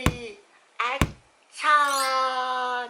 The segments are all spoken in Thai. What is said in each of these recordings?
Reaction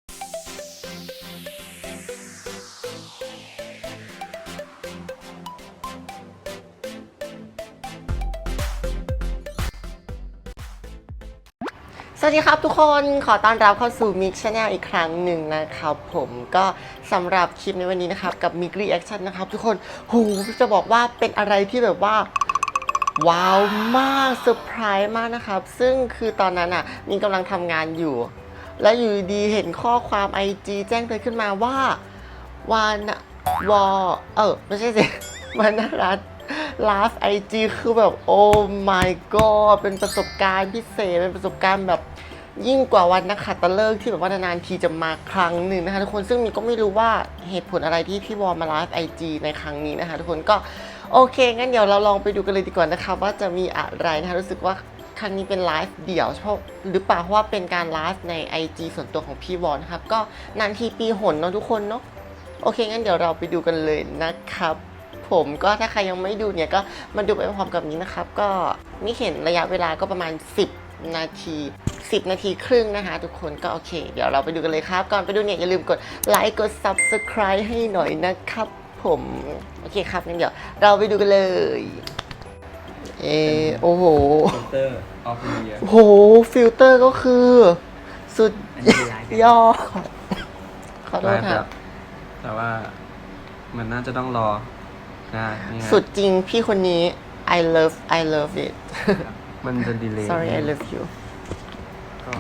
สวัสดีครับทุกคนขอต้อนรับเข้าสู่ Mix Channel อีกครั้งหนึ่งนะครับผมก็สำหรับคลิปในวันนี้นะครับกับ Mix Reaction นะครับทุกคนโหจะบอกว่าเป็นอะไรที่แบบว่าว้าวมากเซอร์ไพรส์มากนะครับซึ่งคือตอนนั้นอ่ะมินกำลังทำงานอยู่แล้วอยู่ดีเห็นข้อความ IG แจ้งเตือนขึ้นมาว่าวานวอไม่ใช่สิวานารัตไลฟ์ไอจีคือแบบโอ้ my god เป็นประสบการณ์พิเศษเป็นประสบการณ์แบบยิ่งกว่าวันนักขัตฤกษ์ที่แบบว่านานๆทีจะมาครั้งหนึ่งนะคะทุกคนซึ่งมินก็ไม่รู้ว่าเหตุผลอะไรที่พี่วอลมาไลฟ์ไอจีในครั้งนี้นะคะทุกคนก็โอเคงั้นเดี๋ยวเราลองไปดูกันเลยดีกว่านะคะว่าจะมีอะไรนะคะรู้สึกว่าครั้งนี้เป็นไลฟ์เดี่ยวเฉพาะหรือเปล่าเพราะว่าเป็นการไลฟ์ใน IG ส่วนตัวของพี่วอลนะครับก็นานทีปีหนเนาะทุกคนเนาะโอเคงั้นเดี๋ยวเราไปดูกันเลยนะครับผมก็ถ้าใครยังไม่ดูเนี่ยก็มาดูไปพร้อมกับนี้นะครับก็นี่เห็นระยะเวลาก็ประมาณ10 นาที10 นาทีครึ่งนะคะทุกคนก็โอเคเดี๋ยวเราไปดูกันเลยครับก่อนไปดูเนี่ยอย่าลืมกดไลค์กด Subscribe ให้หน่อยนะครับผมโอเคครับงั้นเดี๋ยวเราไปดูกันเลยโอ้โหฟิลเตอร์ออฟฟิเลียโอ้โหฟิลเตอร์ก็คือสุดยอดขอโทษครับแต่ว่ามันน่าจะต้องรอนะสุดจริงพี่คนนี้ I love it มันจะดีเลย์ sorry I love you ก็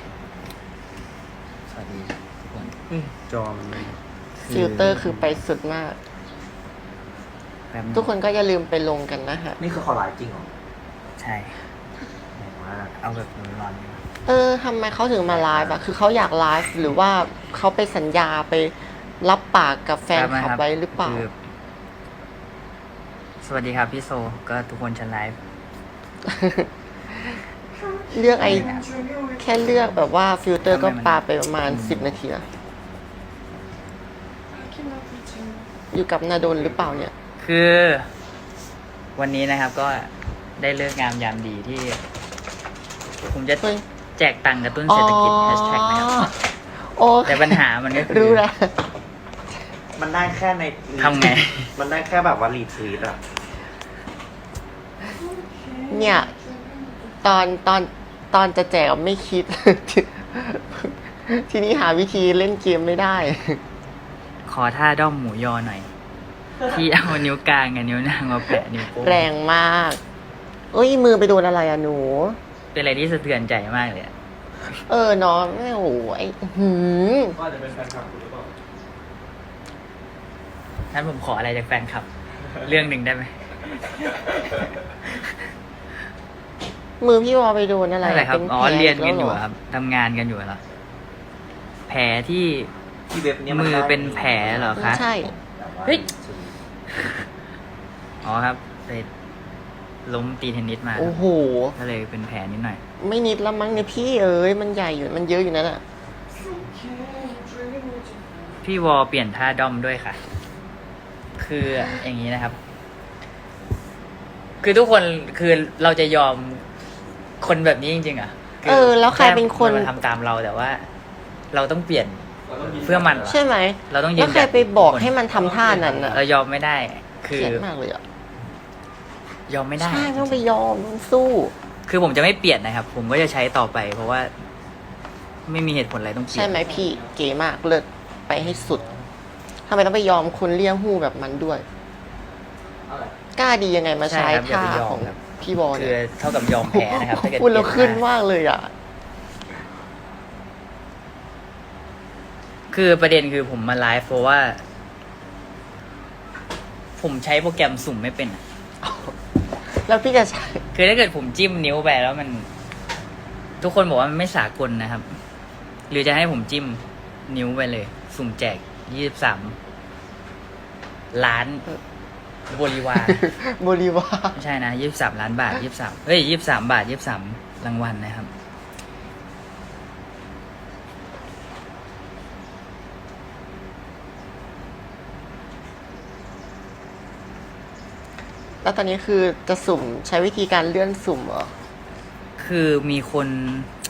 สวัสดีทุกคนจอมันฟิลเตอร์คือไปสุดมากทุกคนก็อย่าลืมไปลงกันนะฮะนี่คือเขาไลฟ์จริงเหรอใช่ว่าเอาแบบร้อนทำไมเขาถึงมาไลฟ์อะคือเขาอยากไลฟ์หรือว่าเขาไปสัญญาไปรับปากกับแฟนคลับไว้หรือเปล่าสวัสดีครับพี่โซก็ทุกคนฉันไลฟ์เลือกแค่เลือกแบบว่าฟิลเตอร์ก็ปาไปประมาณ10 นาทีอะอยู่กับนาดนหรือเปล่าเนี่ยคือวันนี้นะครับก็ได้เลิกงามยามดีที่ผมจะแจกตังค์กระตุ้นเศรษฐกิจแฮชแท็กนะครับแต่ปัญหามันก็คือมันได้แค่ในทำไงมันได้แค่แบบว่ารีทวีตอะเนี่ยตอนจะแจกไม่คิด ทีนี้หาวิธีเล่นเกมไม่ได้ขอท่าด้อมหมูยอหน่อยที่เอานิ้วกลางกับนิ้วนางมาแปะนิ้วโป้งแรงมากเอ้ยมือไปโดนอะไรอะหนูเป็นอะไรที่สะเทือนใจมากเลยเนาะไม่โอ้ไอ้ก็จะเป็นแฟนคลับหรือเปล่างั้นผมขออะไรจากแฟนคลับ เรื่องหนึ่งได้ไหมมือพี่วอไปโดนอะไรครับอ๋อเรียนกันอยู่ครับทำงานกันอยู่เหรอแผลที่เว็บนี้มือเป็นแผลเหรอคะใช่เฮ้ยอ๋อครับไปล้มตีเทนนิสมาโอ้โหก็เลยเป็นแผลนิดหน่อยไม่นิดละมั้งเนี่ยพี่มันใหญ่อยู่มันเยอะอยู่นั่นแหละพี่วอเปลี่ยนท่าด้อมด้วยค่ะคืออย่างนี้นะครับคือทุกคนคือเราจะยอมคนแบบนี้จริงๆอ่ะแล้วใครเป็นคนมาทำตามเราแต่ว่าเราต้องเปลี่ยนเพื่อมันใช่ไหมเราต้องยืนแล้วใครไปบอกให้มันทำท่านั้นอ่ะเรายอมไม่ได้คือมากเลยอ่ะยอมไม่ได้ใช่ต้องไปยอมต้องสู้คือผมจะไม่เปลี่ยนนะครับผมก็จะใช้ต่อไปเพราะว่าไม่มีเหตุผลอะไรต้องเปลี่ยนใช่ไหมพี่เก๋มากเลิศไปให้สุดทำไมต้องไปยอมคนเลี้ยงหู้แบบมันด้วยกล้าดียังไงมาใช้ท่าของพี่บอลคือเท่ากับยอมแพ้นะครับถ้าเกิดคุณเราขึ้นมากเลยอ่ะคือประเด็นคือผมมาไลฟ์เพราะว่า ผมใช้โปรแกรมสุ่มไม่เป็นแล้วพี่จะใช้คือถ้าเกิดผมจิ้มนิ้วไปแล้วมันทุกคนบอกว่ามันไม่สากลนะครับหรือจะให้ผมจิ้มนิ้วไปเลยสุ่มแจก23 ล้านบริวารไม่ใช่นะ23 ล้านบาท23เฮ้ย23 บาท23 รางวัลนะครับแล้วตอนนี้คือจะสุ่มใช้วิธีการเลื่อนสุ่มเหรอคือมีคน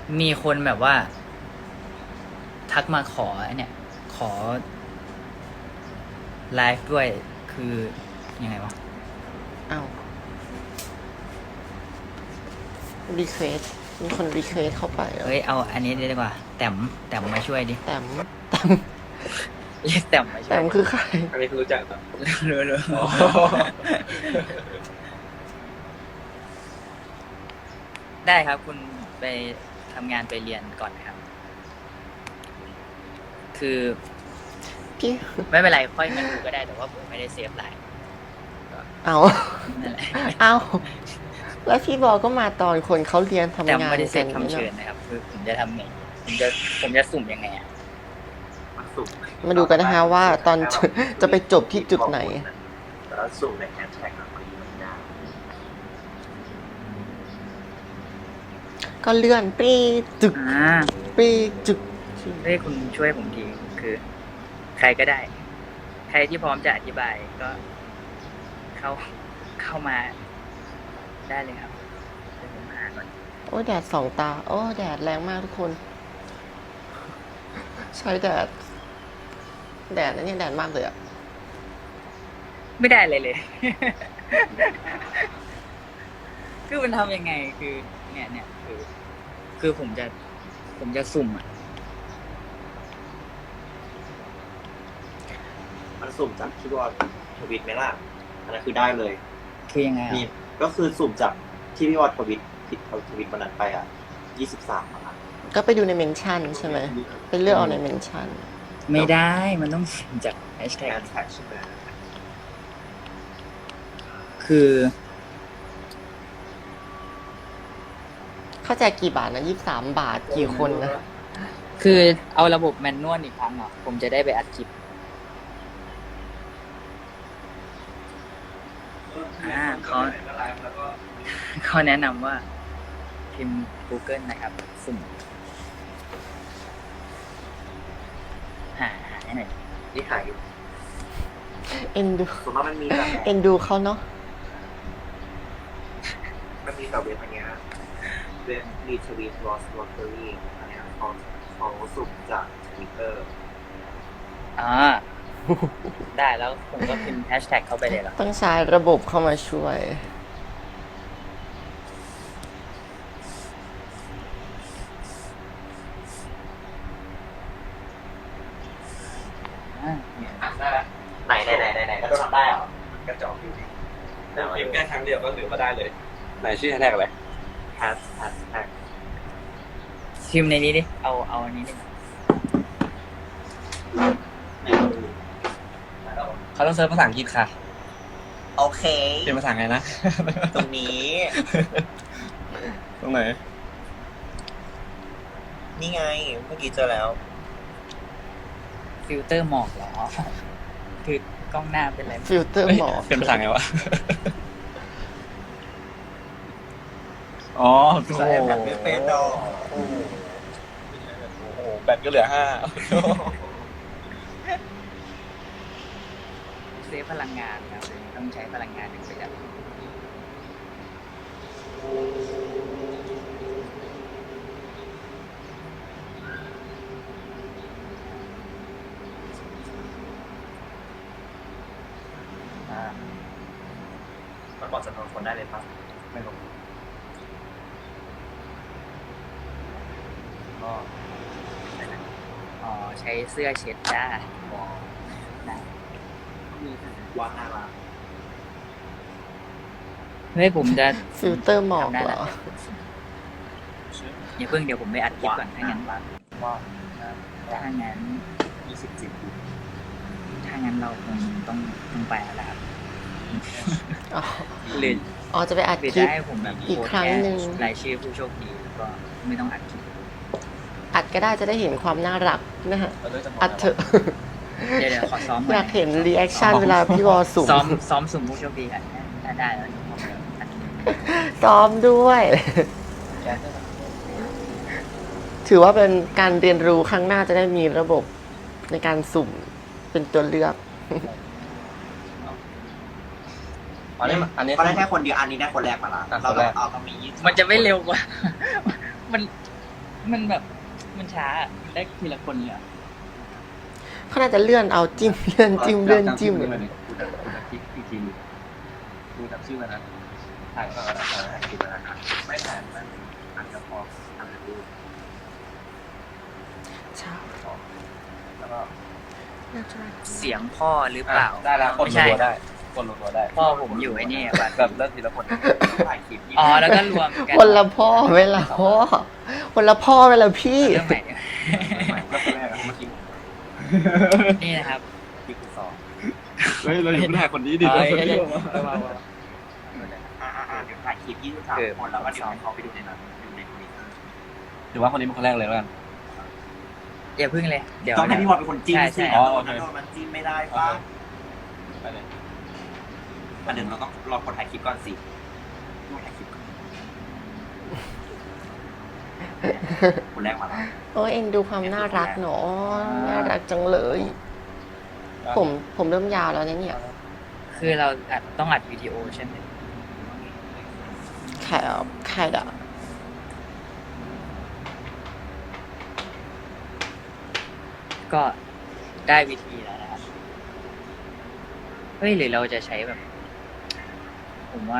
มีคนแบบว่า ทักมาขอเนี่ย ขอไลฟ์ด้วยคือยังไงวะอ้าวรีเควสมีคนรีเควสเข้าไปเหรอเฮ้ย เอาอันนี้ดีกว่า แต้มมาช่วยดิแต้มแต้มเรียกแต้มมาช่วยแต้มคือใครอันนี้คือรู้จักแบบรู้ ได้ครับ คุณไปทำงานไปเรียนก่อนนะครับ คือพี่ไม่เป็นไรค่อยมาดูก็ได้แต่ว่าผมไม่ได้เซฟไลน์เอานั่นแหละเอาแล้วพี่บอกก็มาตอนคนเขาเรียนทำแต่งานไม่ได้เซกัฟนคำเชิญนะครับ คือผมจะทำไงผมจะสุ่มยังไงอ่ะมันสุ่มมาดูกันนะฮะว่าตอนจะไปจบที่จุดไหนแล้วสุ่มในแฮชแท็กอะมันยากก็เลื่อนปรีจึกอ่าปรีจึกเฮ้ยคุณช่วยผมทีคือ ใครก็ได้ ใครที่พร้อมจะอธิบายก็เข้ามาได้เลยครับเดี๋ยวผมหาก่อนโอ้ยแดดสองตา โอ้แดดแรงมากทุกคน ใช้แดด แดดนะเนี่ยแดดมากเลยอะไม่ได้เลย คือมันทำยังไงคือ เนี่ยคือผมจะสุ่มอ่ะมันสุ่มจากที่ว่าทวิตไหมล่ะอันนั้นคือได้เลยคือยังไงมีอ่ะก็คือสุ่มจากที่พี่วอดทวิตผิดทวิตวันนั้นไปอ่ะ23อ่ะก็ไปดูในเมนชั่นใช่ไหมไปเลือกเอาในเมนชั่นไม่ได้มันต้องสุ่มจากแฮชแท็กแฮชแท็กใช่ไหมคือเข้าใจกี่บาทนะ23 บาทกี่คนนะคือเอาระบบแมนนวลอีกครั้งเหรอผมจะได้ไปอัดคลิปเขาแนะนำว่า พิมพ์ Google นะครับ สุ่มหาให้หน่อยที่หายอยู่เอ็นดูส่วนมากมันมีแบบเอ็นดูเขาเนาะมันมีแต่เว็บอันเนี้ยเว็บรีทวีตลอสลอตเตอรี่อันเนี้ยเขาสุ่มจากทวิตเตอร์อ่า ได้แล้วผมก็พิมพ์แฮชแท็กเข้าไปเลยเหรอต้องใช้ระบบเข้ามาช่วยอ่าเนี่ยได้แล้วไหนก็ต้องทำได้เหรอกระจอกอยู่ดีแต่ว่าพิมพ์แค่ครั้งเดียวก็ถือว่าได้เลย ไหนชื่อแฮชแท็กอะไรแฮชแท็กพิมพ์ในนี้ดิ เอาอันนี้ดิเขาต้องเซิร์ชภาษาอังกฤษค่ะโอเคเป็นภาษาไงนะตรงนี้ตรงไหนนี่ไงเมื่อกี้เจอแล้วฟิลเตอร์หมอกเหรอ คือกล้องหน้าเป็นอะไรฟิลเตอร์หมอกเป็นภาษาไงวะ อ๋อภาษาแอปแบบไม่เป็นดอกโอ้โหแบตก็เหลือ 5 เซฟพลังงานครับต้องใช้พลังงานอย่างประหยัดอ่ามันบอกจำนวนคนได้เลยปะไม่รู้ก็ อ๋อ ใช้เสื้อเช็ดจ้านะว่างหน้าร้านเฮ้ยผมจะฟิลเตอร์หมอกทำได้เหรแล้วออย่าเพิ่งเดี๋ยวผมไปอัดคลิปก่อนถ้างั้นว่าถ้างั้น 27 ถ้างั้นเราคงต้องไปแล้วล่ะครับอ๋อหรืออ๋อจะไปอัดหรือคลิจะปให้ผมแบบอีกครั้งหนึ่งโพสต์แค่รายชื่อผู้โชคดีก็ไม่ต้องอัดคลิปอัดก็ได้จะได้เห็นความน่ารักนะฮะ อัดเถอะเดี๋ยวขอซ้อมอยากเห็นรีแอคชั่นเวลาพี่วอสุ่มซ้อมสุ่มผู้โชคดีกันถ้าได้แล้วเดี๋ยวผมจะอัดคลิปซ้อมด้วย ถือว่าเป็นการเรียนรู้ครั้งหน้าจะได้มีระบบในการสุ่มเป็นตัวเลือกอันนี้เขาได้แค่คนเดียวอันนี้ได้คนแรกมาละอ่ะเราคนแรกเอาต้องมี20 มันจะไม่เร็วกว่า มันมันแบบมันช้ามันได้ทีละคนเลยอะเขาน่าจะเลื่อนเอาจิ้มเลื่อนจิ้มเลื่อนจิ้มคุณจะคลิกอีกทีนึงดูจำชื่อมันนะถ่ายก็ได้ถ่ายคลิปมันนะไม่ถ่ายมันอาจจะพอทำดูใช่แล้วก็เสียงพ่อหรือเปล่าได้แล้วกดไม่ใช่รัวได้กดรัวได้พ่อผมอยู่ไอ้นี่บัตรแบบเริ่มทีละคนถ่ายคลิปอ๋อแล้วก็รวมกันคนละพ่อเวลาพ่อคนละพ่อเวลาพี่เรื่องใหม่ก็คนแรกเมื่อกี้นี่นะครับคลิปที่สองเฮ้ยเราอยู่ถ่ายคนนี้ดิเอ้ยเดี๋ยวถ่ายคลิป23คนแล้วก็เดี๋ยวให้เขาไปดูในนั้นดูในทวิตเตอร์ถือว่าคนนี้เป็นคนแรกเลยแล้วกันอย่าพึ่งเลย เดี๋ยวต้องให้พี่บอลเป็นคนจิ้มใช่สิใช่อ๋อโดนมันจิ้มไม่ได้ป่ะไปเลยอันหนึ่งเราต้องรอคนถ่ายคลิปก่อนสิต้องถ่ายคลิปก่อนคนแรกมาแล้วโอ้ยเอ็นดูความน่ารักเนาะน่ารักจังเลย ผมเริ่มยาวแล้วนะเนี่ยคือเราต้องอัดวิดีโอใช่ไหมใครอ่ะก็ได้วิธีแล้วนะครับเฮ้ยหรือเราจะใช้แบบ ผมว่า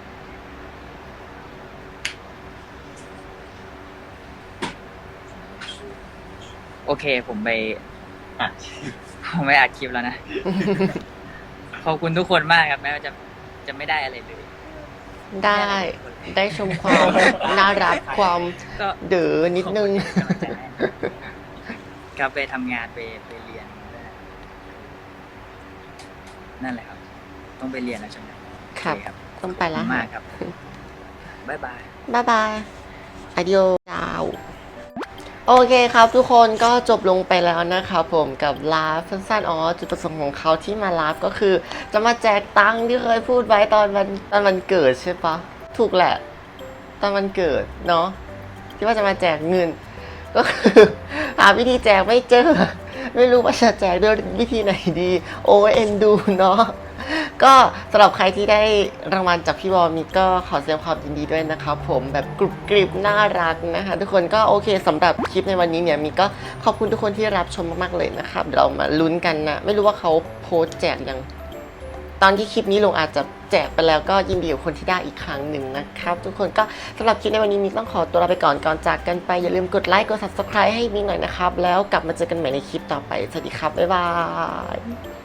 โอเค ผมไปอัดคลิปแล้วนะ ขอบคุณทุกคนมากครับแม้ว่าจะไม่ได้อะไรเลยได้ชมความน่ารักความก็เด๋อนิดนึงขอบคุณที่เป็นกำลังใจให้ครับไปทำงานไปเรียน นั่นแหละครับ ต้องไปเรียนแล้วใช่ไหมครับโอเต้องไปขอบแล้คุวณมากครับ บ๊ายบายบ๊ายบายอดิโอดาว โอเคครับทุกคนก็จบลงไปแล้วนะครับผมกับไลฟ์สั้นๆจุดประสงค์ของเขาที่มาไลฟ์ก็คือ จะมาแจกตังค์ที่เคยพูดไว้ตอนวันเกิดใช่ปะถูกแหละ ตอนวันเกิดเนาะที่ว่าจะมาแจกเงิน ก็คือหาวิธีแจกไม่เจอ ไม่รู้ว่าจะแจกด้วยวิธีไหนดี โอเอ็นดูเนาะก็สำหรับใครที่ได้รางวัลจากพี่บอลมีก็ขอแสดงความยินดีด้วยนะครับผมแบบกรุบกริบน่ารักนะคะทุกคนก็โอเคสำหรับคลิปในวันนี้เนี่ยมีก็ขอบคุณทุกคนที่รับชมมากๆเลยนะครับเดี๋ยวเรามาลุ้นกันนะไม่รู้ว่าเขาโพสต์แจกยังตอนที่คลิปนี้ลงอาจจะแจกไปแล้วก็ยินดีกับคนที่ได้อีกครั้งหนึ่งนะครับทุกคนก็สำหรับคลิปในวันนี้มีต้องขอตัวลาไปก่อนจากกันไปอย่าลืมกดไลค์กด subscribe ให้มีหน่อยนะครับแล้วกลับมาเจอกันใหม่ในคลิปต่อไปสวัสดีครับบ๊ายบาย